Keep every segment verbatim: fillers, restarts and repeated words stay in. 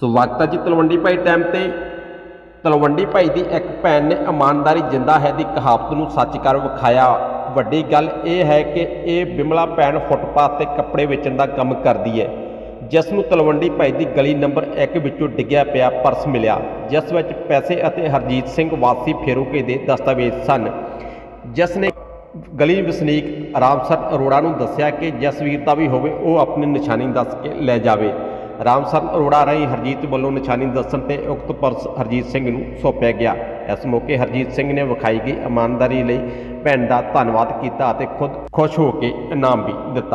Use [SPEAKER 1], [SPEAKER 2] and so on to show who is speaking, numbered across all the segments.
[SPEAKER 1] ਸਵਾਗਤ ਹੈ ਜੀ ਤਲਵੰਡੀ ਭਾਈ ਟਾਈਮ ਤੇ। ਤਲਵੰਡੀ ਭਾਈ ਦੀ ਇੱਕ ਭੈਣ ਨੇ ਇਮਾਨਦਾਰੀ ਜਿੰਦਾ ਹੈ ਦੀ ਕਹਾਵਤ ਨੂੰ ਸੱਚ ਕਰ ਵਿਖਾਇਆ। ਵੱਡੀ ਗੱਲ ਇਹ ਹੈ ਕਿ ਇਹ ਬਿਮਲਾ ਭੈਣ ਫੁੱਟਪਾਥ ਤੇ ਕੱਪੜੇ ਵੇਚਣ ਦਾ ਕੰਮ ਕਰਦੀ ਹੈ, ਜਿਸ ਨੂੰ ਤਲਵੰਡੀ ਭਾਈ ਦੀ ਗਲੀ ਨੰਬਰ ਇੱਕ ਵਿੱਚੋਂ ਡਿੱਗਿਆ ਪਿਆ ਪਰਸ ਮਿਲਿਆ, ਜਿਸ ਵਿੱਚ ਪੈਸੇ ਅਤੇ ਹਰਜੀਤ ਸਿੰਘ ਵਾਸੀ ਫੇਰੋਕੇ ਦੇ ਦਸਤਾਵੇਜ਼ ਸਨ। ਜਿਸ ਨੇ ਗਲੀ ਵਸਨੀਕ ਰਾਮਸਰ ਅਰੋੜਾ ਨੂੰ ਦੱਸਿਆ ਕਿ ਜਿਸ ਵੀਰ ਦਾ ਵੀ ਹੋਵੇ ਉਹ ਆਪਣੀ ਨਿਸ਼ਾਨੀ ਦੱਸ ਕੇ ਲੈ ਜਾਵੇ। ਰਾਮਸਰ ਅਰੋੜਾ ਰਾਹੀਂ ਹਰਜੀਤ ਵੱਲੋਂ ਨਿਸ਼ਾਨੀ ਦੱਸਣ ਤੇ ਉਕਤ ਪਰਸ ਹਰਜੀਤ ਸਿੰਘ ਨੂੰ ਸੌਂਪਿਆ ਗਿਆ। ਇਸ ਮੌਕੇ ਹਰਜੀਤ ਸਿੰਘ ਨੇ ਵਿਖਾਈ ਗਈ ਇਮਾਨਦਾਰੀ ਲਈ ਭੈਣ ਦਾ ਧੰਨਵਾਦ ਕੀਤਾ ਅਤੇ ਖੁਦ ਖੁਸ਼ ਹੋ ਕੇ ਇਨਾਮ ਵੀ ਦਿੱਤਾ।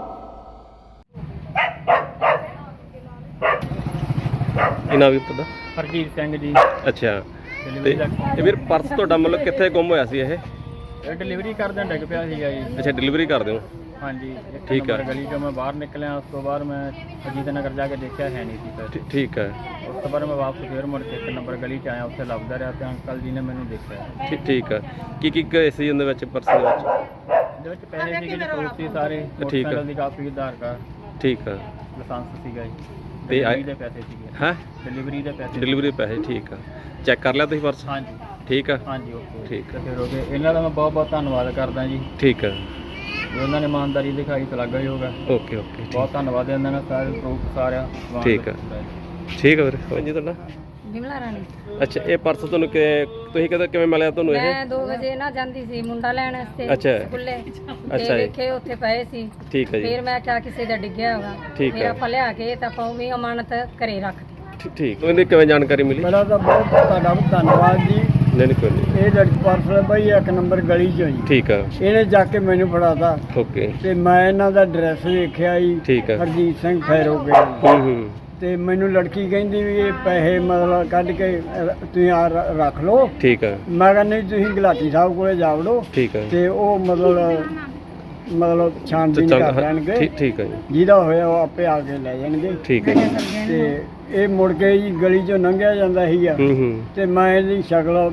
[SPEAKER 1] ਇਨਾਮ ਵੀ ਤੁਹਾਡਾ
[SPEAKER 2] ਹਰਜੀਤ ਸਿੰਘ ਜੀ।
[SPEAKER 1] ਅੱਛਾ, ਤੇ ਇਹ ਵੀਰ ਪਰਸ ਤੁਹਾਡਾ ਮਤਲਬ ਕਿੱਥੇ ਗੁੰਮ ਹੋਇਆ ਸੀ? ਇਹ
[SPEAKER 2] ਇਹ ਡਿਲੀਵਰੀ ਕਰਦਿਆਂ ਡਿੱਗ ਪਿਆ ਸੀਗਾ ਜੀ।
[SPEAKER 1] ਅੱਛਾ, ਡਿਲੀਵਰੀ ਕਰਦੇ ਹੋ?
[SPEAKER 2] ਹਾਂਜੀ,
[SPEAKER 1] ਠੀਕ ਹੈ।
[SPEAKER 2] ਗਲੀ ਚੋਂ ਮੈਂ ਬਾਹਰ ਨਿਕਲਿਆ, ਉਸ ਤੋਂ ਬਾਅਦ ਮੈਂ ਅਜੀਤ ਨਗਰ ਜਾ ਕੇ ਦੇਖਿਆ ਹੈ ਨਹੀਂ ਸੀ ਫਿਰ।
[SPEAKER 1] ਠੀਕ ਹੈ।
[SPEAKER 2] ਉਸ ਤੋਂ ਬਾਅਦ ਮੈਂ ਵਾਪਸ ਫੇਰ ਮੁੜ ਕੇ ਇੱਕ ਨੰਬਰ ਗਲੀ 'ਚ ਆਇਆ, ਉੱਥੇ ਲੱਭਦਾ ਰਿਹਾ ਤੇ ਅੰਕਲ ਜੀ ਨੇ ਮੈਨੂੰ ਦੇਖਿਆ।
[SPEAKER 1] ਠੀਕ ਠੀਕ ਹੈ। ਕੀ ਕੀ ਗਏ ਸੀ ਉਹਦੇ ਵਿੱਚ ਪਰਸ ਦੇ ਵਿੱਚ?
[SPEAKER 2] ਇਹਦੇ ਵਿੱਚ ਪੈਸੇ ਸੀਗੇ ਜੀ, ਪ੍ਰੂਫ ਸੀ ਸਾਰੇ, ਮੋਟਰਸਾਈਕਲ ਦੀ ਕਾਪੀ, ਆਧਾਰ ਕਾਰਡ,
[SPEAKER 1] ਠੀਕ ਹੈ,
[SPEAKER 2] ਲਾਇਸੈਂਸ ਸੀਗਾ ਜੀ,
[SPEAKER 1] ਤੇ
[SPEAKER 2] ਡਿਲੀਵਰੀ ਦੇ ਪੈਸੇ ਸੀਗੇ।
[SPEAKER 1] ਹੈ
[SPEAKER 2] ਡਿਲੀਵਰੀ ਦੇ ਪੈਸੇ?
[SPEAKER 1] ਡਿਲੀਵਰੀ ਦੇ ਪੈਸੇ, ਠੀਕ ਆ। ਚੈੱਕ ਕਰ ਲਿਆ ਤੁਸੀਂ ਪਰਸ?
[SPEAKER 2] ਹਾਂਜੀ
[SPEAKER 1] ਠੀਕ ਆ।
[SPEAKER 2] ਹਾਂਜੀ, ਓਕੇ,
[SPEAKER 1] ਠੀਕ ਹੈ।
[SPEAKER 2] ਫਿਰ ਹੋ ਗਏ। ਇਹਨਾਂ ਦਾ ਮੈਂ ਬਹੁਤ ਬਹੁਤ ਧੰਨਵਾਦ ਕਰਦਾ ਜੀ।
[SPEAKER 1] ਠੀਕ ਹੈ।
[SPEAKER 2] ਉਹਨਾਂ ਨੇ ਇਮਾਨਦਾਰੀ ਦਿਖਾਈ, ਤਲਾਗਾ ਹੀ ਹੋਗਾ।
[SPEAKER 1] ਓਕੇ ਓਕੇ,
[SPEAKER 2] ਬਹੁਤ ਧੰਨਵਾਦ ਇਹਨਾਂ ਦਾ, ਸਾਰੇ ਪ੍ਰੂਫ ਸਾਰਿਆ।
[SPEAKER 1] ਠੀਕ ਹੈ ਠੀਕ ਹੈ ਵੀਰ। ਹਾਂਜੀ, ਤੁਹਾਡਾ?
[SPEAKER 3] ਬਿਮਲਾ ਰਾਣੀ।
[SPEAKER 1] ਅੱਛਾ, ਇਹ ਪਰਸ ਤੁਹਾਨੂੰ ਕਿ ਤੁਸੀਂ ਕਦੋਂ ਕਿਵੇਂ ਮਿਲਿਆ ਤੁਹਾਨੂੰ ਇਹ?
[SPEAKER 3] ਮੈਂ ਦੋ ਵਜੇ ਨਾ ਜਾਂਦੀ ਸੀ ਮੁੰਡਾ ਲੈਣ ਵਾਸਤੇ
[SPEAKER 1] ਅੱਛਾ।
[SPEAKER 3] ਸਕੂਲੇ।
[SPEAKER 1] ਅੱਛਾ
[SPEAKER 3] ਤੇ
[SPEAKER 1] ਜੀ।
[SPEAKER 3] ਦੇਖੇ ਉੱਥੇ ਪਏ ਸੀ।
[SPEAKER 1] ਠੀਕ ਹੈ ਜੀ।
[SPEAKER 3] ਫਿਰ ਮੈਂ ਕਿਹਾ ਕਿਸੇ ਦਾ ਡਿੱਗਿਆ ਹੋਗਾ।
[SPEAKER 1] ਠੀਕ
[SPEAKER 3] ਫਿਰ
[SPEAKER 1] ਹੈ।
[SPEAKER 3] ਆਪਾਂ ਲਿਆ ਕੇ ਤਾਂ ਆਪਾਂ ਵੀ ਅਮਾਨਤ ਘਰੇ ਰੱਖਤੀ।
[SPEAKER 1] ਠੀ- ਠੀਕ, ਉਹਦੀ ਕਿਵੇਂ ਜਾਣਕਾਰੀ ਮਿਲੀ?
[SPEAKER 4] ਮੇਰਾ ਤਾਂ ਬਹੁਤ ਤੁਹਾਡਾ ਧੰਨਵਾਦ ਜੀ।
[SPEAKER 1] ਨਹੀਂ ਨਹੀਂ, ਕੋਈ ਨਹੀਂ।
[SPEAKER 4] ਇਹ ਲੜਕੀ ਪਰਸ ਬਈ ਇੱਕ ਨੰਬਰ ਗਲੀ ਚੋਂ ਜੀ,
[SPEAKER 1] ਠੀਕ ਆ।
[SPEAKER 4] ਇਹਨੇ ਜਾ ਕੇ ਮੈਨੂੰ ਫੜਾਤਾ
[SPEAKER 1] ਓਕੇ,
[SPEAKER 4] ਤੇ ਮੈਂ ਇਹਨਾਂ ਦਾ ਐਡਰੈਸ ਦੇਖਿਆ ਜੀ।
[SPEAKER 1] ਠੀਕ ਆ।
[SPEAKER 4] ਹਰਜੀਤ ਸਿੰਘ ਫੈਰੋਕੇ।
[SPEAKER 1] ਹੂੰ ਹੂੰ,
[SPEAKER 4] ਤੇ ਮੈਨੂੰ ਲੜਕੀ ਕਹਿੰਦੀ ਵੀ ਇਹ ਪੈਸੇ ਮਤਲਬ ਕੱਢ ਕੇ ਅਹ, ਤੁਸੀਂ ਆ ਰ- ਰੱਖ ਲਓ।
[SPEAKER 1] ਠੀਕ ਆ।
[SPEAKER 4] ਮੈਂ ਕਿਹਾ ਨਹੀਂ, ਤੁਸੀਂ ਗੁਲਾਟੀ ਸਾਹਿਬ ਕੋਲੇ ਜਾ ਵੜੋ
[SPEAKER 1] ਠੀਕ ਆ।
[SPEAKER 4] ਤੇ ਉਹ ਮਤਲਬ ਮਤਲਬ ਛਾਣਬੀਨ
[SPEAKER 1] ਚੱਲ,
[SPEAKER 4] ਕਰ
[SPEAKER 1] ਹਾਂ,
[SPEAKER 4] ਲੈਣਗੇ,
[SPEAKER 1] ਠੀਕ ਠੀਕ ਆ ਜੀ।
[SPEAKER 4] ਜਿਹਦਾ ਹੋਇਆ ਉਹ ਆਪੇ ਆ ਕੇ ਲੈ ਜਾਣਗੇ।
[SPEAKER 1] ਠੀਕ ਹੈ।
[SPEAKER 4] ਤੇ ਇਹ ਮੁੜ ਕੇ ਜੀ ਗਲੀ ਚੋਂ ਲੰਘਿਆ ਜਾਂਦਾ ਸੀਗਾ
[SPEAKER 1] ਹੂੰ ਹੂੰ,
[SPEAKER 4] ਤੇ ਮੈਂ ਇਹਦੀ ਸ਼ਕਲ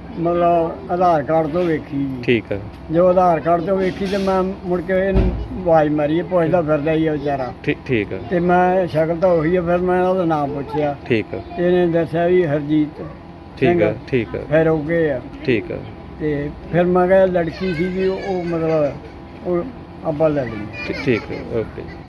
[SPEAKER 4] ਮਤਲਬ ਆਧਾਰ ਕਾਰਡ ਤੋਂ ਵੇਖੀ ਜੀ।
[SPEAKER 1] ਠੀਕ ਆ।
[SPEAKER 4] ਜੋ ਆਧਾਰ ਕਾਰਡ ਤੋਂ ਵੇਖੀ ਤੇ ਮੈਂ ਮੁੜ ਕੇ ਇਹਨੂੰ ਆਵਾਜ਼ ਮਾਰੀ, ਇਹ ਪੁੱਛਦਾ ਫਿਰਦਾ ਹੀ ਆ ਵਿਚਾਰਾ।
[SPEAKER 1] ਠੀਕ ਠੀਕ ਆ।
[SPEAKER 4] ਤੇ ਮੈਂ ਸ਼ਕਲ ਤਾਂ ਉਹੀ ਆ, ਫਿਰ ਮੈਂ ਉਹਦਾ ਨਾਮ ਪੁੱਛਿਆ
[SPEAKER 1] ਠੀਕ ਆ।
[SPEAKER 4] ਤੇ ਇਹਨੇ ਦੱਸਿਆ ਵੀ ਹਰਜੀਤ
[SPEAKER 1] ਠੀਕ ਆ। ਠੀਕ ਆ।
[SPEAKER 4] ਫਿਰ ਹੋ ਗਏ ਆ।
[SPEAKER 1] ਠੀਕ ਆ।
[SPEAKER 4] ਤੇ ਫਿਰ ਮੈਂ ਕਿਹਾ ਲੜਕੀ ਸੀ ਵੀ ਉਹ ਮਤਲਬ ਉਹ ਆਪਾਂ ਲੈ ਲਈ।
[SPEAKER 1] ਠੀਕ ਠੀਕ ਆ, ਓਕੇ।